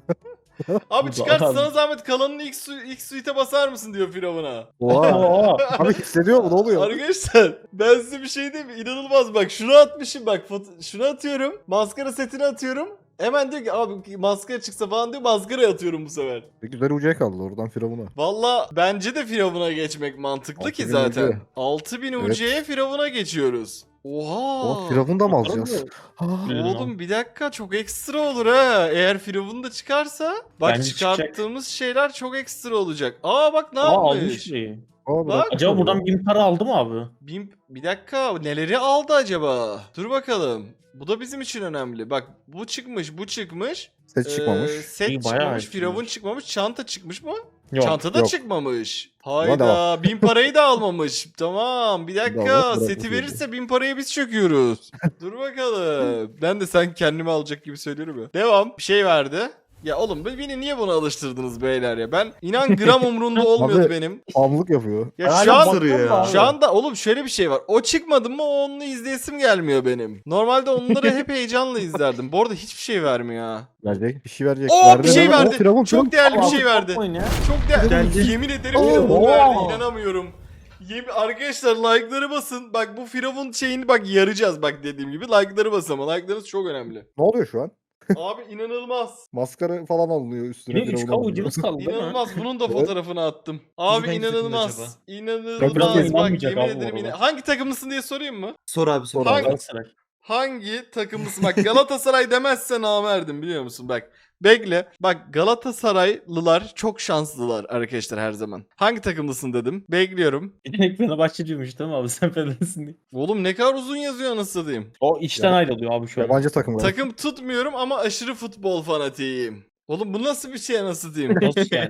Speaker 1: Abi
Speaker 4: Bu
Speaker 1: çıkart
Speaker 4: da-
Speaker 1: sana zahmet kalanını ilk, su ilk suite'e basar mısın diyor Firavun'a.
Speaker 3: Oha.
Speaker 4: Oo.
Speaker 3: Abi hissediyor mu? Ne oluyor?
Speaker 1: Arkadaşlar ben size bir şey diyeyim mi? İnanılmaz bak şunu atmışım bak foto- şunu atıyorum. Maskara setini atıyorum. Hemen diyor ki abi maskara çıksa falan diyor maskara atıyorum bu sefer.
Speaker 3: Bir güzel ucuya kaldı oradan Firavun'a.
Speaker 1: Valla bence de Firavun'a geçmek mantıklı ki
Speaker 3: altı bin
Speaker 1: zaten.
Speaker 3: U C.
Speaker 1: altı bin
Speaker 3: Evet.
Speaker 1: U C'ye Firavun'a geçiyoruz. Oha.
Speaker 3: Oha Firavun'u da mı alacağız? Ha.
Speaker 1: Oğlum bir dakika çok ekstra olur ha. Eğer Firavun da çıkarsa bak
Speaker 4: Bence
Speaker 1: çıkarttığımız şeyler çok ekstra olacak. Aa bak ne
Speaker 4: Aa almış
Speaker 1: yapmış?
Speaker 4: şeyi.
Speaker 3: Aa,
Speaker 1: Bak.
Speaker 4: Acaba buradan bin para aldı mı abi?
Speaker 1: Bin, bir dakika neleri aldı acaba? Dur bakalım. Bu da bizim için önemli. Bak bu çıkmış bu çıkmış.
Speaker 3: Ses çıkmamış.
Speaker 1: Ee, set
Speaker 4: İyi, bayağı
Speaker 1: çıkmamış.
Speaker 4: iyi
Speaker 1: Firavun
Speaker 4: çıkmış.
Speaker 1: çıkmamış. Çanta çıkmış mı?
Speaker 4: Yok.
Speaker 1: Çanta da
Speaker 3: yok.
Speaker 1: çıkmamış.
Speaker 3: Hadi
Speaker 1: Hayda bin parayı da almamış. Tamam bir dakika
Speaker 3: Bravo, bravo,
Speaker 1: seti
Speaker 3: bravo.
Speaker 1: verirse bin parayı biz çöküyoruz. Dur bakalım. Ben de sen kendimi alacak gibi söylüyorum ya. Devam. Bir şey verdi. Ya oğlum beni niye buna alıştırdınız beyler ya? Ben inan gram umrunda olmuyordu
Speaker 3: Abi,
Speaker 1: benim.
Speaker 3: Amlık yapıyor.
Speaker 1: Ya
Speaker 4: Hala
Speaker 1: şu an
Speaker 8: sarıyor ya.
Speaker 1: şu anda oğlum şöyle bir şey var. O çıkmadı mı onu izleyesim gelmiyor benim. Normalde onları hep heyecanla izlerdim. Bu arada hiçbir şey vermiyor ha.
Speaker 3: Verecek. Bir şey verecek.
Speaker 1: Oo, bir
Speaker 3: Verdi
Speaker 1: şey
Speaker 3: lan.
Speaker 1: verdi.
Speaker 3: Oo, Firavun,
Speaker 1: Çok
Speaker 3: Firavun.
Speaker 1: değerli bir
Speaker 4: Abi,
Speaker 1: şey verdi.
Speaker 4: yapmayın ya.
Speaker 1: Çok değerli.
Speaker 8: Geldi.
Speaker 1: Yemin ederim
Speaker 3: Oo.
Speaker 1: Firavun verdi.
Speaker 4: Oo.
Speaker 1: İnanamıyorum. Yemin arkadaşlar like'ları basın. Bak bu Firavun şeyini bak yarayacağız bak dediğim gibi. Like'ları basın ama like'larınız çok önemli.
Speaker 3: Ne oluyor şu an?
Speaker 1: Abi inanılmaz.
Speaker 3: Maskara falan alınıyor üstüne.
Speaker 4: Yine üç
Speaker 3: Firavun
Speaker 4: K
Speaker 3: alınıyor.
Speaker 4: ucumuz kaldı değil mi?
Speaker 1: İnanılmaz. Bunun da
Speaker 3: Evet.
Speaker 1: fotoğrafını attım. Abi
Speaker 8: hangi takımda
Speaker 1: inanılmaz.
Speaker 8: acaba?
Speaker 1: İnanılmaz.
Speaker 4: Biraz
Speaker 1: Bak
Speaker 4: inanmayacak
Speaker 1: yemin
Speaker 4: abi bu
Speaker 1: ederim
Speaker 4: arada.
Speaker 1: yine. Hangi takımlısın diye sorayım mı?
Speaker 8: Sor abi sor.
Speaker 3: Sor abi.
Speaker 8: abi.
Speaker 4: Galatasaray.
Speaker 1: Hangi takımlısın? Bak Galatasaray demezse namerdim biliyor musun? Bak bekle. Bak Galatasaraylılar çok şanslılar arkadaşlar her zaman. Hangi takımlısın dedim. Bekliyorum.
Speaker 4: Yetenek Fenerbahçeliymiş değil mi abi sen Fenerlisin diye.
Speaker 1: Oğlum ne kadar uzun yazıyor anasını satayım.
Speaker 4: O işten
Speaker 3: Ya.
Speaker 4: ayrılıyor abi şu an.
Speaker 3: Yabancı takım var.
Speaker 1: Takım tutmuyorum ama aşırı futbol fanatiyim. Oğlum bu nasıl bir şey anasını satayım?
Speaker 4: Nasıl yani?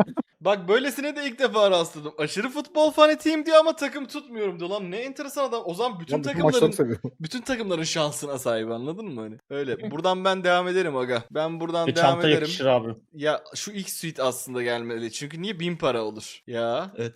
Speaker 1: Bak böylesine de ilk defa rastladım. Aşırı futbol fanatiyim diyor ama takım tutmuyorum diyor. Lan ne enteresan adam. O zaman bütün
Speaker 3: Lan bütün
Speaker 1: takımların
Speaker 3: maçları seviyorum.
Speaker 1: bütün takımların şansına sahip anladın mı hani? Öyle. Buradan ben devam ederim aga. Ben buradan
Speaker 4: Bir
Speaker 1: devam
Speaker 4: çanta
Speaker 1: ederim.
Speaker 4: yakışır abi.
Speaker 1: Ya şu ilk suite aslında gelmeli. Çünkü niye bin para olur? Ya.
Speaker 8: Evet.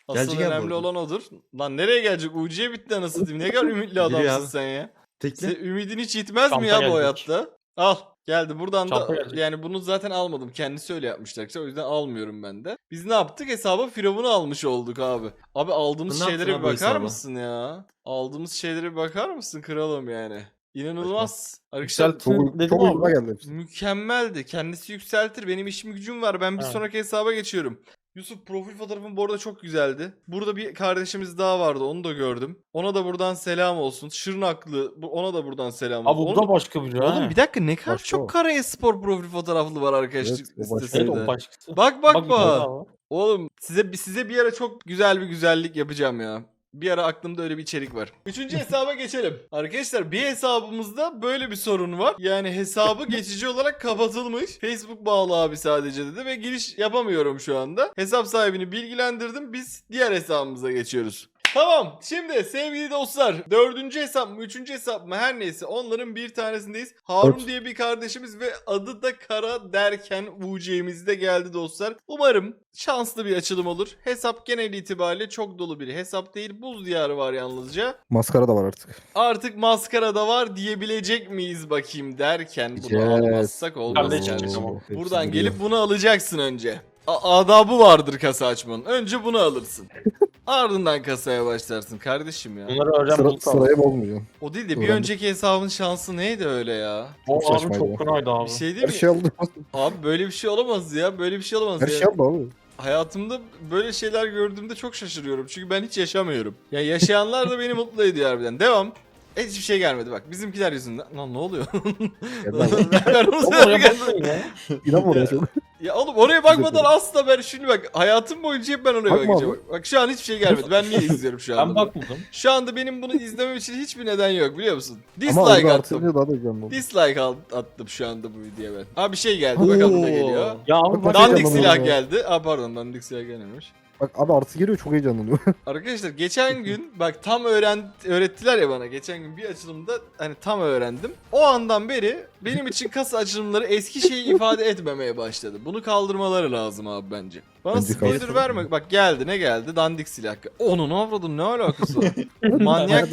Speaker 1: Asıl
Speaker 8: Gelecek abi
Speaker 1: önemli
Speaker 8: orada.
Speaker 1: olan odur. Lan nereye gelecek? U C'ye bitti anasını satayım. Ne kadar ümitli
Speaker 8: Geliyor
Speaker 1: adamsın
Speaker 8: abi.
Speaker 1: sen ya.
Speaker 8: Tekle.
Speaker 1: Sen ümidin hiç yitmez mi
Speaker 4: Çanta
Speaker 1: ya bu
Speaker 4: gelecek.
Speaker 1: hayatta? Al. Geldi. Buradan
Speaker 4: Çanta
Speaker 1: da
Speaker 4: gelecek.
Speaker 1: yani bunu zaten almadım. Kendisi öyle yapmıştı arkadaşlar. O yüzden almıyorum ben de. Biz ne yaptık? Hesaba Firavun'u almış olduk abi. Abi aldığımız
Speaker 8: Ne yaptın
Speaker 1: şeylere
Speaker 8: abi
Speaker 1: bir
Speaker 8: bu
Speaker 1: bakar
Speaker 8: hesaba?
Speaker 1: mısın ya? Aldığımız şeylere bir bakar mısın kralım yani? İnanılmaz. Arkadaşlar
Speaker 4: Yükseltin
Speaker 3: Çok,
Speaker 4: dedim
Speaker 3: çok uyguna
Speaker 4: abi.
Speaker 3: geldi hepsi.
Speaker 1: mükemmeldi. Kendisi yükseltir. Benim işim gücüm var. Ben bir
Speaker 4: Evet.
Speaker 1: sonraki hesaba geçiyorum. Yusuf profil fotoğrafın bu arada çok güzeldi. Burada bir kardeşimiz daha vardı. Onu da gördüm. Ona da buradan selam olsun. Şırnaklı. bu- Ona da buradan selam
Speaker 4: Abi
Speaker 1: olsun.
Speaker 4: bu
Speaker 1: Onu-
Speaker 4: da başka biri ha.
Speaker 1: Oğlum bir dakika ne kadar
Speaker 3: Başka
Speaker 1: çok
Speaker 3: o.
Speaker 1: kara espor profil fotoğraflı var arkadaşlar
Speaker 3: Evet, o başka.
Speaker 4: Evet
Speaker 1: listesinde.
Speaker 4: o başkası.
Speaker 1: Bak bak
Speaker 4: bir tane
Speaker 1: bak.
Speaker 4: daha var.
Speaker 1: Oğlum size size bir ara çok güzel bir güzellik yapacağım ya. Bir ara aklımda öyle bir içerik var. Üçüncü hesaba geçelim. Arkadaşlar bir hesabımızda böyle bir sorun var. Yani hesabı geçici olarak kapatılmış. Facebook bağlı abi sadece dedi ve giriş yapamıyorum şu anda. Hesap sahibini bilgilendirdim. Biz diğer hesabımıza geçiyoruz. Tamam. Şimdi sevgili dostlar dördüncü hesap mı üçüncü hesap mı her neyse onların bir tanesindeyiz. Harun
Speaker 3: Evet.
Speaker 1: diye bir kardeşimiz ve adı da Kara derken U C'miz de geldi dostlar. Umarım şanslı bir açılım olur. Hesap genel itibariyle çok dolu bir hesap değil. Buz diyarı var yalnızca.
Speaker 3: Maskara da var artık.
Speaker 1: Artık maskara da var diyebilecek miyiz bakayım derken bunu
Speaker 3: Yes.
Speaker 1: almazsak olmaz
Speaker 4: Kardeşim,
Speaker 1: kardeşim.
Speaker 4: tamam.
Speaker 3: Hepsi
Speaker 1: Buradan
Speaker 3: biliyor.
Speaker 1: gelip bunu alacaksın önce. A- adabı vardır kasa açmanın. Önce bunu alırsın. Ardından kasaya başlarsın kardeşim ya.
Speaker 4: Bunları öğren
Speaker 3: Sıra,
Speaker 4: bulut abi.
Speaker 3: sıraya bozmayacaksın.
Speaker 1: O değil de bir
Speaker 3: Öğrendim.
Speaker 1: önceki hesabın şansı neydi öyle ya?
Speaker 4: O
Speaker 3: Çok
Speaker 4: abi
Speaker 3: saçmaydı
Speaker 4: çok
Speaker 3: o.
Speaker 4: fenaydı abi.
Speaker 1: Bir şey değil
Speaker 3: Her
Speaker 1: mi?
Speaker 3: şey aldı.
Speaker 1: Abi böyle bir şey olamaz ya. Böyle bir şey olamaz
Speaker 3: Her
Speaker 1: ya.
Speaker 3: şey aldı abi.
Speaker 1: Hayatımda böyle şeyler gördüğümde çok şaşırıyorum. Çünkü ben hiç yaşamıyorum. Ya yaşayanlar da beni mutlu ediyor harbiden. Devam. Hiçbir şey gelmedi bak. Bizimkiler yüzünden. Lan ne oluyor?
Speaker 3: Geldi abi.
Speaker 1: Ben onu
Speaker 4: Oğlum
Speaker 1: söylemek-
Speaker 4: oraya bakmayın ya.
Speaker 3: İnanma oraya sen.
Speaker 1: Ya oğlum oraya bakmadan asla ben şimdi bak hayatım boyunca hep ben oraya
Speaker 3: Bakma
Speaker 1: bakacağım.
Speaker 3: abi.
Speaker 1: Bak, bak şu an hiçbir şey gelmedi. Ben niye izliyorum şu
Speaker 4: Ben
Speaker 1: anda?
Speaker 4: bakmadım.
Speaker 1: Şu anda benim bunu izlemem için hiçbir neden yok biliyor musun?
Speaker 3: Ama
Speaker 1: Dislike
Speaker 3: orada
Speaker 1: attım.
Speaker 3: artırınca daha da güzel oldu.
Speaker 1: Dislike al- attım şu anda bu videoya ben. Abi bir şey geldi bakalım ne geliyor.
Speaker 4: Ya abi
Speaker 3: Bak,
Speaker 4: bak.
Speaker 3: Dan-
Speaker 1: Dandik
Speaker 3: Heyecanlanıyorum
Speaker 1: silah
Speaker 3: ya.
Speaker 1: geldi. Aa pardon dandik silah gelmemiş.
Speaker 3: Bak abi artı geliyor çok heyecanlanıyor.
Speaker 1: Arkadaşlar geçen gün bak tam öğren öğrettiler ya bana. Geçen gün bir açılımda hani tam öğrendim. O andan beri benim için kasa açılımları eski şeyi ifade etmemeye başladı. Bunu kaldırmaları lazım abi bence. Bana
Speaker 3: Bence
Speaker 1: spoiler
Speaker 3: kaldıralım.
Speaker 1: verme. Bak geldi ne geldi? Dandik silah. Onun avradın ne alakası var? manyak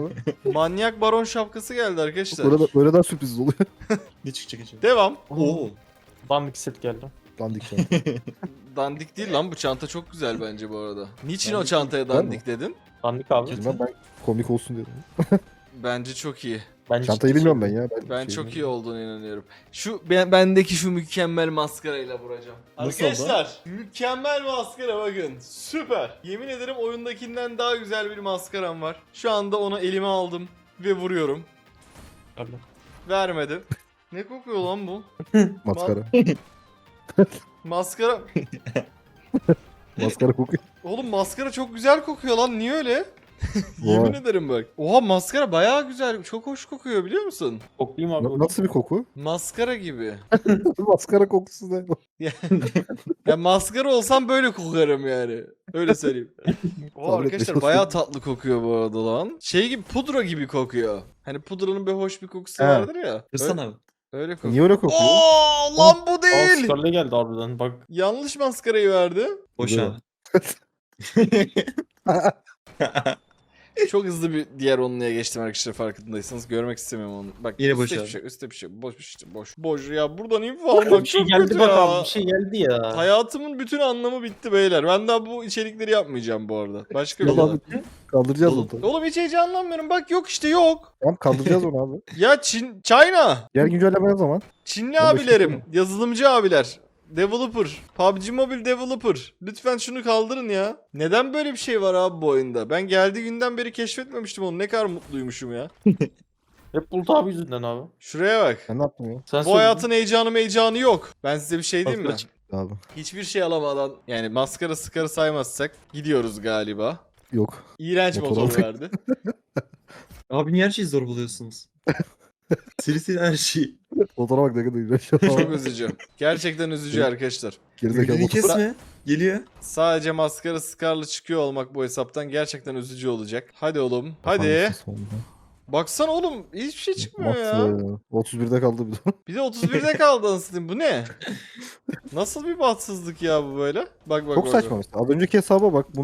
Speaker 1: manyak baron şapkası geldi arkadaşlar.
Speaker 3: Böyle, de, böyle daha sürpriz oluyor.
Speaker 8: Ne çıkacak acaba?
Speaker 1: Devam.
Speaker 8: Oo.
Speaker 4: Dandik set geldi.
Speaker 3: Dandik şu
Speaker 1: Dandik değil lan bu çanta çok güzel bence bu arada. Niçin o
Speaker 3: Dandik
Speaker 1: çantaya
Speaker 3: değil,
Speaker 1: dandik dedin?
Speaker 4: Dandik abi.
Speaker 3: an. Ben komik olsun dedim.
Speaker 1: Bence çok iyi.
Speaker 4: Ben
Speaker 3: Çantayı
Speaker 4: ciddi
Speaker 3: bilmiyorum ben
Speaker 4: söylüyorum.
Speaker 3: ya.
Speaker 1: Ben
Speaker 3: şey
Speaker 1: çok iyi
Speaker 3: bilmiyorum.
Speaker 1: olduğunu inanıyorum. Şu ben, bendeki şu mükemmel maskarayla vuracağım.
Speaker 8: Nasıl
Speaker 1: Arkadaşlar mükemmel maskara bakın. Süper. Yemin ederim oyundakinden daha güzel bir maskaram var. Şu anda onu elime aldım ve vuruyorum.
Speaker 4: Abi.
Speaker 1: Vermedim. Ne kokuyor lan bu?
Speaker 3: Maskara.
Speaker 1: Maskara.
Speaker 3: Maskara kokuyor.
Speaker 1: Oğlum maskara çok güzel kokuyor lan. Niye öyle?
Speaker 3: Vay.
Speaker 1: Yemin ederim bak. Oha maskara bayağı güzel. Çok hoş kokuyor biliyor musun?
Speaker 4: Koklayayım abi.
Speaker 3: Na- Nasıl bir koku?
Speaker 1: Maskara gibi.
Speaker 3: Maskara kokusu ne?
Speaker 1: Ya maskara olsam böyle kokarım yani. Öyle söyleyeyim. O
Speaker 3: Tahmin
Speaker 1: arkadaşlar
Speaker 3: etmeye
Speaker 1: bayağı tatlı kokuyor bu arada lan. Şey gibi pudra gibi kokuyor. Hani pudranın bir hoş bir kokusu
Speaker 3: He.
Speaker 1: vardır ya.
Speaker 8: Kırsana
Speaker 1: Öyle,
Speaker 8: abi.
Speaker 1: öyle kokuyor.
Speaker 3: Niye öyle kokuyor?
Speaker 1: Oo lan bu
Speaker 4: Aa
Speaker 1: değil.
Speaker 4: Scarlet geldi harbiden bak.
Speaker 1: Yanlış maskarayı verdi.
Speaker 8: Boş
Speaker 3: Güzel.
Speaker 8: abi.
Speaker 1: Çok hızlı bir diğer onluya geçtim arkadaşlar farkındaysanız. Görmek istemiyorum onu. Bak
Speaker 8: Yine
Speaker 1: üstte
Speaker 8: boş
Speaker 1: bir
Speaker 8: abi.
Speaker 1: şey, üstte bir şey. Boş bir şey. Boş. Boş ya buradan info almak
Speaker 4: Bir şey
Speaker 1: çok
Speaker 4: geldi
Speaker 1: kötü
Speaker 4: bak
Speaker 1: ya.
Speaker 4: abi bir şey geldi ya.
Speaker 1: Hayatımın bütün anlamı bitti beyler. Ben daha bu içerikleri yapmayacağım bu arada. Başka bir
Speaker 3: Yalan
Speaker 1: şey.
Speaker 3: abi. Kaldıracağız
Speaker 8: Oğlum,
Speaker 3: onu.
Speaker 1: Oğlum hiç heyecanlanmıyorum. Bak yok işte yok.
Speaker 3: Tamam kaldıracağız onu abi.
Speaker 1: Ya Çin, China.
Speaker 3: Diğer güncelleme ne zaman?
Speaker 1: Çinli
Speaker 3: on beş
Speaker 1: abilerim,
Speaker 3: dakika
Speaker 1: yazılımcı abiler, developer, P U B G Mobile developer. Lütfen şunu kaldırın ya. Neden böyle bir şey var abi bu oyunda? Ben geldiği günden beri keşfetmemiştim onu. Ne kadar mutluymuşum ya.
Speaker 4: Hep Bulut abi yüzünden abi.
Speaker 1: Şuraya bak.
Speaker 3: Ben ne yaptım ya?
Speaker 4: Sen
Speaker 1: Bu
Speaker 4: söyledin.
Speaker 1: hayatın heyecanı heyecanı yok. Ben size bir şey diyeyim mi?
Speaker 4: Maskara çık-
Speaker 3: Abi.
Speaker 1: Hiçbir şey alamadan yani maskara sıkarı saymazsak gidiyoruz galiba.
Speaker 3: Yok.
Speaker 1: İğrenç
Speaker 3: Motor
Speaker 1: motor
Speaker 3: aldık.
Speaker 1: verdi.
Speaker 8: Abi niye her şeyi zor buluyorsunuz? Seri seri her şeyi.
Speaker 3: Motora bak ne kadar iğrenç.
Speaker 1: Çok üzücü. Gerçekten üzücü arkadaşlar.
Speaker 3: Gerizekalı
Speaker 8: Ümidini
Speaker 3: motor.
Speaker 8: kesme. Geliyor.
Speaker 1: Sadece maskara sıkarlı çıkıyor olmak bu hesaptan gerçekten üzücü olacak. Hadi oğlum. Hadi.
Speaker 3: Tamam,
Speaker 1: Baksana oğlum hiçbir şey çıkmıyor ya.
Speaker 3: Bahtsız. otuz birde kaldı bir de.
Speaker 1: Bir de otuz birde kaldı anasını. Bu ne? Nasıl bir bahtsızlık ya bu böyle? Bak bak
Speaker 3: Çok
Speaker 1: bak,
Speaker 3: saçma
Speaker 1: bak.
Speaker 3: mesela. Az önceki hesaba bak buna bak.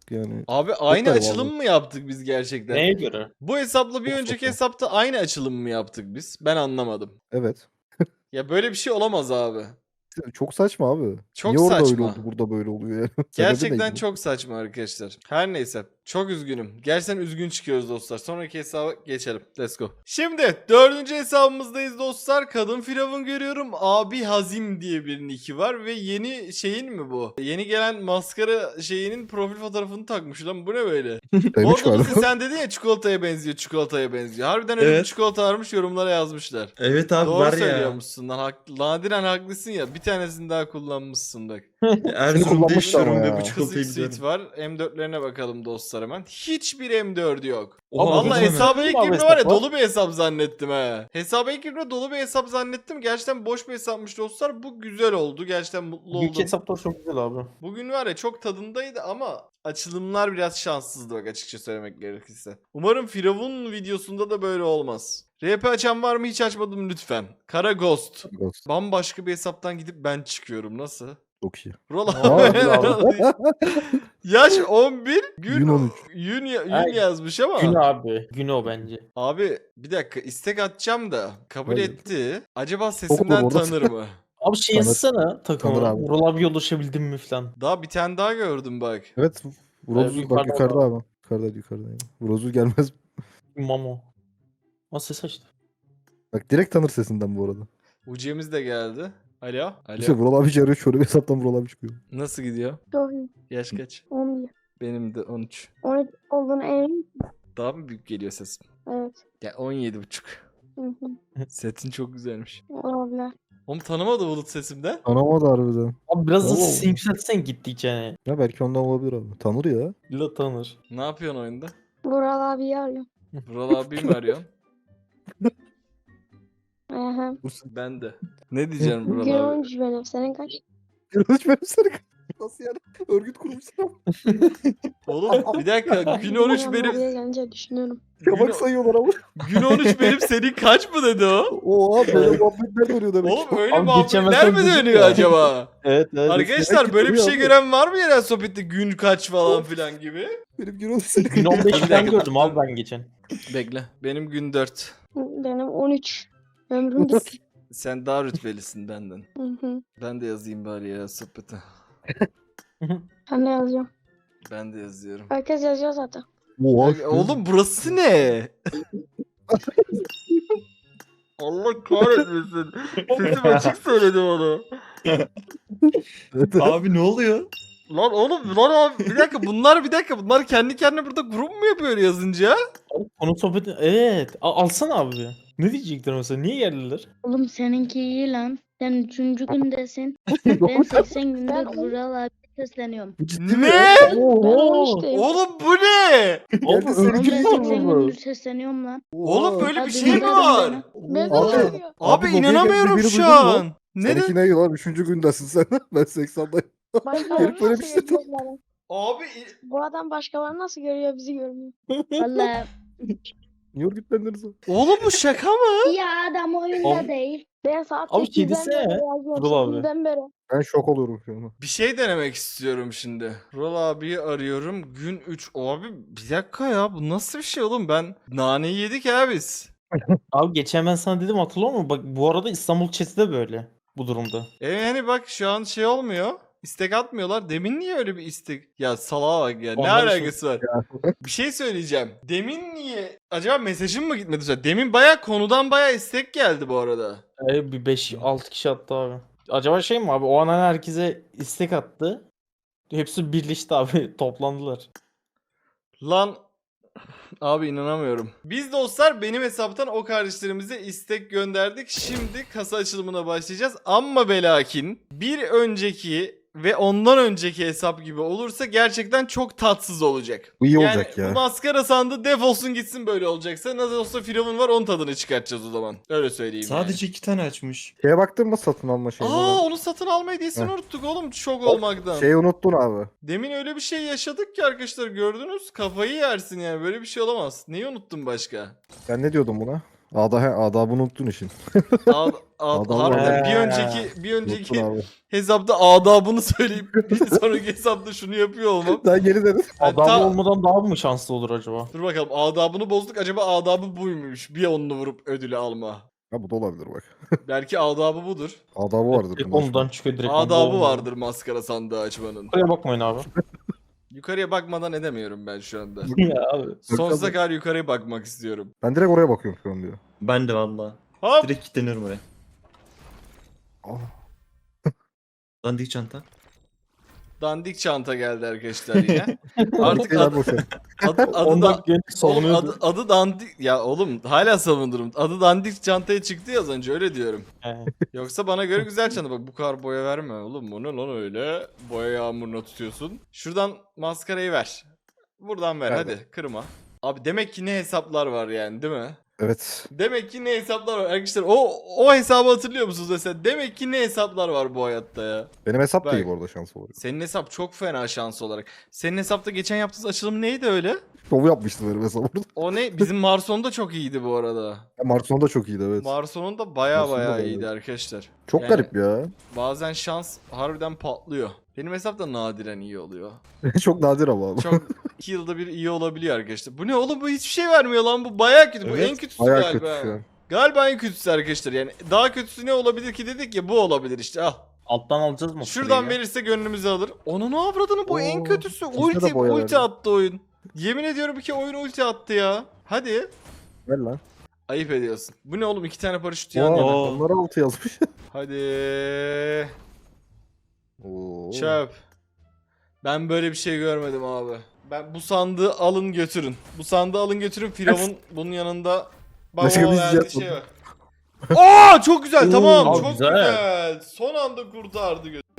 Speaker 3: yani.
Speaker 1: Abi aynı
Speaker 3: tabii
Speaker 1: açılım mı yaptık biz gerçekten?
Speaker 4: Neye göre?
Speaker 1: Bu hesapla bir
Speaker 3: Çok
Speaker 1: önceki
Speaker 3: saçma.
Speaker 1: hesapta aynı açılım mı yaptık biz? Ben anlamadım.
Speaker 3: Evet.
Speaker 1: Ya böyle bir şey olamaz abi.
Speaker 3: Çok saçma abi.
Speaker 1: Çok
Speaker 3: Niye orada öyle
Speaker 1: saçma.
Speaker 3: oldu, burada böyle oluyor yani? Sebebi
Speaker 1: Gerçekten
Speaker 3: neydi?
Speaker 1: çok saçma arkadaşlar. Her neyse. Çok üzgünüm. Gerçekten üzgün çıkıyoruz dostlar. Sonraki hesaba geçelim. Let's go. Şimdi dördüncü hesabımızdayız dostlar. Kadın firavun görüyorum. Abi Hazim diye bir nicki var. Ve yeni şeyin mi bu? Yeni gelen maskara şeyinin profil fotoğrafını takmış lan. Bu ne böyle?
Speaker 3: Demiş
Speaker 1: Orada
Speaker 3: galiba.
Speaker 1: sen dedin ya çikolataya benziyor, çikolataya benziyor. Harbiden öyle bir
Speaker 8: Evet.
Speaker 1: çikolata varmış, yorumlara yazmışlar.
Speaker 8: Evet abi
Speaker 1: Doğru
Speaker 8: var ya.
Speaker 1: söylüyormuşsun lan. Hak, nadiren haklısın ya. Bir tanesini daha kullanmışsın bak.
Speaker 8: Erzurum'da
Speaker 3: kullanmış
Speaker 8: yaşıyorum
Speaker 3: ama
Speaker 8: ve
Speaker 3: ya.
Speaker 8: bu
Speaker 1: Kızık
Speaker 8: çikolatayı
Speaker 1: suite
Speaker 8: biliyorum.
Speaker 1: var. M dörtlerine bakalım dostlar hemen. Hiçbir M dört yok.
Speaker 8: Oha,
Speaker 1: Vallahi
Speaker 8: bakın hemen.
Speaker 1: hesaba ilk
Speaker 4: Abi
Speaker 1: girdiğimde var ya
Speaker 4: hesap var.
Speaker 1: dolu bir hesap zannettim he. Hesaba ilk girdiğimde dolu bir hesap zannettim. Gerçekten boş bir hesapmış dostlar. Bu güzel oldu. Gerçekten mutlu
Speaker 4: Büyük
Speaker 1: oldum.
Speaker 4: hesaplar çok güzel abi.
Speaker 1: Bugün var ya çok tadındaydı ama açılımlar biraz şanssızdı bak açıkça söylemek gerekirse. Umarım Firavun videosunda da böyle olmaz. R P açan var mı? Hiç açmadım lütfen. Kara Ghost.
Speaker 3: Ghost.
Speaker 1: Bambaşka bir hesaptan gidip ben çıkıyorum. Nasıl?
Speaker 3: Çok iyi.
Speaker 1: Rola.
Speaker 4: Aa,
Speaker 1: Yaş on bir, gün
Speaker 3: Gün on üç.
Speaker 1: Gün, ya- gün
Speaker 4: Ay,
Speaker 1: yazmış ama.
Speaker 4: Gün abi. Gün o bence.
Speaker 1: Abi bir dakika istek atacağım da kabul
Speaker 3: Hayır.
Speaker 1: etti. Acaba
Speaker 3: olur
Speaker 1: sesimden
Speaker 3: orada.
Speaker 1: tanır mı?
Speaker 4: Abi şey
Speaker 3: Tanır.
Speaker 4: yazsana
Speaker 3: Tanır
Speaker 4: takımı.
Speaker 3: abi.
Speaker 4: Vural abi ulaşabildin mi falan.
Speaker 1: Daha bir tane daha gördüm bak.
Speaker 3: Evet. Vrozul
Speaker 4: yukarıda
Speaker 3: bak yukarıda
Speaker 4: abi.
Speaker 3: abi. Yukarıda yukarıda. Yani. Vrozul gelmez.
Speaker 4: Mamo. O ses açtı.
Speaker 3: Bak direkt tanır sesinden bu arada.
Speaker 1: Ucemiz de geldi. Alo. Alo.
Speaker 3: İşte Vural abi çağırıyor. Şöyle bir hesaptan Vural abi çıkıyor.
Speaker 1: Nasıl gidiyor?
Speaker 2: Çok iyi.
Speaker 1: Yaş kaç?
Speaker 2: on bir.
Speaker 1: Benim de on üç.
Speaker 2: on üç olduğunu emin.
Speaker 1: Daha mı büyük geliyor sesim?
Speaker 2: Evet.
Speaker 1: Ya on yedi buçuk.
Speaker 2: Hı hı.
Speaker 1: Setin çok güzelmiş.
Speaker 2: Olabilir.
Speaker 1: Oğlum tanımadı Bulut sesimden.
Speaker 3: Tanımadı harbiden.
Speaker 4: Abi biraz da
Speaker 3: Oo.
Speaker 4: sesini yükseltsen gittikçe yani.
Speaker 3: Ya belki ondan olabilir abi. Tanır ya.
Speaker 4: La tanır.
Speaker 1: Ne yapıyorsun oyunda?
Speaker 2: Vural abiyi arıyorum.
Speaker 1: Vural abi mi arıyorsun?
Speaker 2: Aha.
Speaker 1: Ben de. Ne diyeceğim
Speaker 2: Gün
Speaker 1: Vural abi?
Speaker 2: on üç benim. Senin kaç?
Speaker 3: Hiç benim seni nasıl yani? Örgüt kurmuşsun ama.
Speaker 1: Oğlum bir dakika gün on üç
Speaker 2: Ben
Speaker 1: benim.
Speaker 2: oraya gelince düşünüyorum.
Speaker 3: Kabak sayıyorlar ama.
Speaker 1: Gün on üç benim senin kaç mı dedi o?
Speaker 3: Oha böyle muhabbetler dönüyor demek.
Speaker 1: Oğlum öyle
Speaker 4: Abi
Speaker 1: muhabbetler mi
Speaker 4: geçemezsen
Speaker 1: dönüyor
Speaker 4: ya.
Speaker 1: acaba?
Speaker 4: Evet evet.
Speaker 1: Arkadaşlar böyle bir
Speaker 3: duruyor
Speaker 1: şey
Speaker 3: abi.
Speaker 1: gören var mı yerel sohbette gün kaç falan filan gibi?
Speaker 3: Benim gün seni.
Speaker 4: Gün on beş
Speaker 1: Bir
Speaker 4: falan
Speaker 1: dakika.
Speaker 4: gördüm abi ben geçen.
Speaker 1: Bekle. Benim gün dört.
Speaker 2: Benim on üç. Ömrüm gitti.
Speaker 1: Sen daha rütbelisin benden.
Speaker 2: Hı hı.
Speaker 1: Ben de yazayım bari yerel sohbete.
Speaker 2: Ben de yazıyorum.
Speaker 1: Ben de yazıyorum.
Speaker 2: Herkes yazıyor zaten.
Speaker 3: Oha.
Speaker 1: Ya, oğlum burası ne? Allah kahretmesin. Sesim açık söyledim onu.
Speaker 8: Abi ne oluyor?
Speaker 1: Lan oğlum lan abi bir dakika bunlar bir dakika bunlar kendi kendine burada grup mu yapıyor yazınca?
Speaker 4: Abi konu sohbeti evet. A- alsana abi. Ne diyecekler mesela? Niye geldiler?
Speaker 5: Oğlum seninki iyi lan. Sen üçüncü gündesin. Ben seksen gündür
Speaker 2: Ben-
Speaker 5: Vural abi sesleniyorum.
Speaker 3: Bu ciddi mi?
Speaker 1: Ne?
Speaker 2: Ben on
Speaker 4: Oho.
Speaker 2: üçteyim.
Speaker 1: Oğlum bu ne?
Speaker 4: Oğlum
Speaker 3: Geldi
Speaker 5: Oğlum
Speaker 3: seninki
Speaker 5: ben
Speaker 3: mi
Speaker 5: seksen
Speaker 3: oldu?
Speaker 5: gündür sesleniyorum lan.
Speaker 1: Oğlum böyle bir
Speaker 5: Hadi
Speaker 1: şey mi
Speaker 5: gidelim
Speaker 1: var?
Speaker 5: bana.
Speaker 2: Ben de
Speaker 3: Abi-
Speaker 2: yazıyor.
Speaker 1: Abi,
Speaker 3: Abi, lobiye
Speaker 1: inanamıyorum
Speaker 3: geldi, biri
Speaker 1: şu
Speaker 3: duydun mu?
Speaker 1: an. Ne
Speaker 3: Seninki
Speaker 1: de?
Speaker 3: ne lan? Üçüncü gündesin sen. Ben seksendayım.
Speaker 2: Başkaları
Speaker 3: Herif böyle
Speaker 2: nasıl
Speaker 3: bir şey
Speaker 2: görüyor bu adam?
Speaker 1: Abi
Speaker 2: Bu adam başkaları nasıl görüyor bizi görmüyor.
Speaker 5: Vallahi
Speaker 3: Niye örgütlendiniz o?
Speaker 1: oğlum bu şaka mı?
Speaker 5: ya adam oyunda
Speaker 4: Oğlum-
Speaker 5: değil.
Speaker 2: Ben saat
Speaker 4: Abi
Speaker 2: sekizden
Speaker 4: kedisi
Speaker 2: beri
Speaker 4: ne?
Speaker 2: yazıyorum.
Speaker 4: Vural abi.
Speaker 2: sekizden beri.
Speaker 3: Ben şok oluyorum şu an.
Speaker 1: Bir şey denemek istiyorum şimdi. Rol abiyi arıyorum. Gün üç. Abi bir dakika ya bu nasıl bir şey oğlum ben naneyi yedik ya biz.
Speaker 4: Abi geçen ben sana dedim hatırlıyor musun? Bak bu arada İstanbul chat'i de böyle bu durumda.
Speaker 1: E yani bak şu an şey olmuyor. İstek atmıyorlar. Demin niye öyle bir istek? Ya salağa bak ya. Ne
Speaker 4: Ondan
Speaker 1: alakası var? Bir şey söyleyeceğim. Demin niye? Acaba mesajım mı gitmedi? Mesela Demin baya konudan baya istek geldi bu arada.
Speaker 4: Ee, bir beş altı kişi attı abi. Acaba şey mi abi o an hani herkese istek attı. Hepsi birleşti abi toplandılar.
Speaker 1: Lan abi inanamıyorum. Biz dostlar benim hesaptan o kardeşlerimize istek gönderdik. Şimdi kasa açılımına başlayacağız. Amma ve lakin bir önceki ve ondan önceki hesap gibi olursa gerçekten çok tatsız olacak.
Speaker 3: Bu iyi
Speaker 1: Yani
Speaker 3: olacak ya.
Speaker 1: bu maskara sandığı defolsun gitsin böyle olacaksa. Nasıl olsa Firavun var onun tadını çıkartacağız o zaman. Öyle söyleyeyim
Speaker 8: Sadece iki tane açmış.
Speaker 3: Şeye baktın mı satın alma
Speaker 1: yani.
Speaker 3: şeyine?
Speaker 1: Aa onu satın alma hediyesini
Speaker 3: Heh.
Speaker 1: unuttuk oğlum şok olmaktan.
Speaker 3: Şeyi unuttun abi.
Speaker 1: Demin öyle bir şey yaşadık ki arkadaşlar gördünüz. Kafayı yersin yani böyle bir şey olamaz. Neyi unuttun başka?
Speaker 3: Ben ne diyordum buna? Ağda, he, adabını unuttun işin.
Speaker 1: Ad, ad,
Speaker 3: Adam
Speaker 1: harbiden
Speaker 4: var.
Speaker 1: bir önceki bir
Speaker 3: Unuttun
Speaker 1: önceki
Speaker 3: abi.
Speaker 1: hesapta adabını söyleyip bir sonraki hesapta şunu yapıyor olmam.
Speaker 3: Sen geri dedin.
Speaker 1: Yani
Speaker 4: Adam
Speaker 1: ta-
Speaker 4: olmadan daha mı şanslı olur acaba?
Speaker 1: Dur bakalım, adabını bozduk, acaba adabı buymuş? Bir onunu vurup ödülü alma.
Speaker 3: Ha bu da olabilir bak.
Speaker 1: Belki adabı budur.
Speaker 3: Adabı vardır.
Speaker 4: Direkt
Speaker 3: bundan
Speaker 4: ondan çıkıyor direkt.
Speaker 1: Adabı vardır maskara sandığı açmanın.
Speaker 4: Buraya bakmayın abi.
Speaker 1: Yukarıya bakmadan edemiyorum ben şu anda.
Speaker 4: ya abi.
Speaker 1: Sonsuza kadar yukarıya bakmak istiyorum.
Speaker 3: Ben direkt oraya bakıyorum şu an diyor.
Speaker 8: Ben de valla.
Speaker 1: Hop!
Speaker 8: Direkt kilitleniyorum oraya.
Speaker 3: Ah.
Speaker 8: Dandik çanta.
Speaker 1: Dandik çanta geldi arkadaşlar yine. Artık
Speaker 3: Şeyler
Speaker 1: adı,
Speaker 3: boş ver.
Speaker 1: adı, adı,
Speaker 4: Ondan
Speaker 1: da,
Speaker 4: genç
Speaker 1: oğlum,
Speaker 4: savunuyordu.
Speaker 1: adı, adı dandik... Ya oğlum hala savunurum. Adı dandik çantaya çıktı ya az önce, öyle diyorum.
Speaker 4: He.
Speaker 1: Yoksa bana göre güzel çanta. Bak bu kadar boya verme oğlum. Bu ne lan öyle? Boya yağmuruna tutuyorsun. Şuradan maskarayı ver. Buradan ver
Speaker 3: Ver,
Speaker 1: hadi, kırma. Abi demek ki ne hesaplar var yani, değil mi?
Speaker 3: Evet.
Speaker 1: Demek ki ne hesaplar var arkadaşlar. O o hesabı hatırlıyor musunuz mesela? Demek ki ne hesaplar var bu hayatta ya.
Speaker 3: Benim hesap da
Speaker 1: Bak.
Speaker 3: iyi bu arada şans olarak.
Speaker 1: Senin hesap çok fena şans olarak. Senin hesapta geçen yaptığınız açılım neydi öyle?
Speaker 3: Şovu yapmıştı benim hesap orada.
Speaker 1: O ne? Bizim Marson da çok iyiydi bu arada.
Speaker 3: Ya Marson da çok iyiydi evet.
Speaker 1: Marson'un da baya
Speaker 3: Marson da
Speaker 1: baya
Speaker 3: bayağı
Speaker 1: iyiydi
Speaker 3: iyi.
Speaker 1: arkadaşlar.
Speaker 3: Çok
Speaker 1: Yani-
Speaker 3: garip ya.
Speaker 1: Bazen şans harbiden patlıyor. Benim hesap da nadiren iyi oluyor.
Speaker 3: Çok nadir ama abi.
Speaker 1: Çok iki yılda bir iyi olabiliyor arkadaşlar. Bu ne oğlum, bu hiçbir şey vermiyor lan, bu baya kötü. Bu
Speaker 3: Evet,
Speaker 1: en kötüsü
Speaker 3: Bayağı
Speaker 1: galiba.
Speaker 3: kötü şu an.
Speaker 1: Galiba en kötüsü arkadaşlar yani. Daha kötüsü ne olabilir ki dedik ya, bu olabilir işte, al.
Speaker 4: Alttan alacağız mı?
Speaker 1: Şuradan verirse gönlümüzü alır. Onun avradını, bu en
Speaker 3: Oo,
Speaker 1: kötüsü.
Speaker 3: ikisine
Speaker 1: Ulti,
Speaker 3: de boya
Speaker 1: ulti
Speaker 3: verdi.
Speaker 1: attı oyun. Yemin ediyorum ki oyun ulti attı ya. Hadi.
Speaker 3: Ver lan.
Speaker 1: Ayıp ediyorsun. Bu ne oğlum, iki tane paraşüt yan
Speaker 3: Oo,
Speaker 1: yana.
Speaker 3: onlara altı yazmış.
Speaker 1: Hadi.
Speaker 3: Oo.
Speaker 1: Çöp. Ben böyle bir şey görmedim abi. Ben bu sandığı alın götürün. Bu sandığı alın götürün. Firavun bunun yanında
Speaker 3: Başka
Speaker 1: babama
Speaker 3: bir
Speaker 1: verdiği
Speaker 3: şey
Speaker 1: şey var. Aa çok güzel, tamam,
Speaker 4: Abi
Speaker 1: çok
Speaker 4: güzel.
Speaker 1: güzel. Son anda kurtardı götü.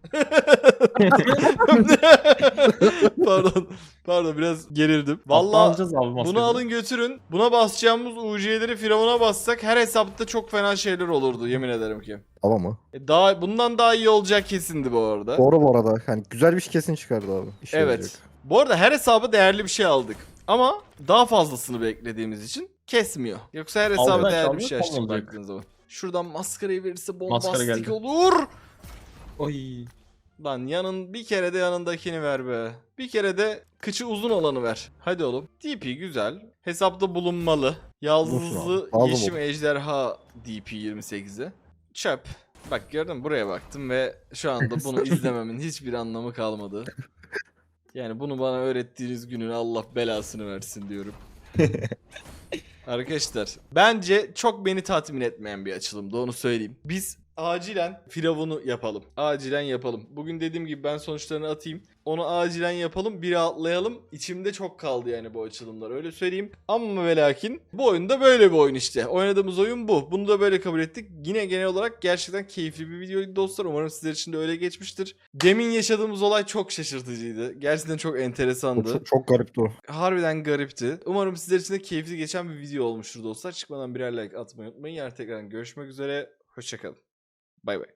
Speaker 1: pardon. Pardon biraz gerildim.
Speaker 4: Vallahi
Speaker 1: Vallahi
Speaker 4: alacağız abi maskeyi.
Speaker 1: bunu alın götürün. Buna basacağımız U C'leri Firavun'a bassak her hesapta çok fena şeyler olurdu, yemin ederim ki.
Speaker 3: Tamam mı?
Speaker 1: E, Daha bundan daha iyi olacak kesindi bu arada.
Speaker 3: Doğru bu arada. Hani güzel bir şey kesin çıkardı abi. İşe
Speaker 1: Evet.
Speaker 3: yarayacak.
Speaker 1: Bu arada her hesaba değerli bir şey aldık. Ama daha fazlasını beklediğimiz için kesmiyor. Yoksa her hesaba
Speaker 4: Aldık,
Speaker 1: değerli bir
Speaker 4: aldık,
Speaker 1: şey açtık
Speaker 4: olmayacak.
Speaker 1: baktığınız zaman. Şuradan maskarayı verirse
Speaker 4: Maskara
Speaker 1: bombastik
Speaker 4: geldi.
Speaker 1: olur.
Speaker 8: Oy.
Speaker 1: Lan yanın bir kere de yanındakini ver be. Bir kere de kıçı uzun olanı ver. Hadi oğlum. D P güzel. Hesapta bulunmalı.
Speaker 3: Bulunsun
Speaker 1: Yaldızlı
Speaker 3: abi. Lazım
Speaker 1: yeşim
Speaker 3: olur.
Speaker 1: ejderha D P yirmi sekize. Çöp. Bak gördün mü, buraya baktım ve şu anda bunu izlememin hiçbir anlamı kalmadı. Yani bunu bana öğrettiğiniz günün Allah belasını versin diyorum. Arkadaşlar bence çok beni tatmin etmeyen bir açılımdı, onu söyleyeyim. Biz acilen Firavun'u yapalım. Acilen yapalım. Bugün dediğim gibi ben sonuçlarını atayım. Onu acilen yapalım, bir rahatlayalım. İçimde çok kaldı yani bu açılımlar, öyle söyleyeyim. Ama ve lakin bu oyunda böyle bir oyun işte. Oynadığımız oyun bu. Bunu da böyle kabul ettik. Yine genel olarak gerçekten keyifli bir videoydu dostlar. Umarım sizler için de öyle geçmiştir. Demin yaşadığımız olay çok şaşırtıcıydı. Gerçekten çok
Speaker 3: O
Speaker 1: enteresandı.
Speaker 3: Çok, çok garipti o.
Speaker 1: Harbiden garipti. Umarım sizler için de keyifli geçen bir video olmuştur dostlar. Çıkmadan birer like atmayı unutmayın. Yarın tekrar görüşmek üzere. Hoşçakalın. Bay bay.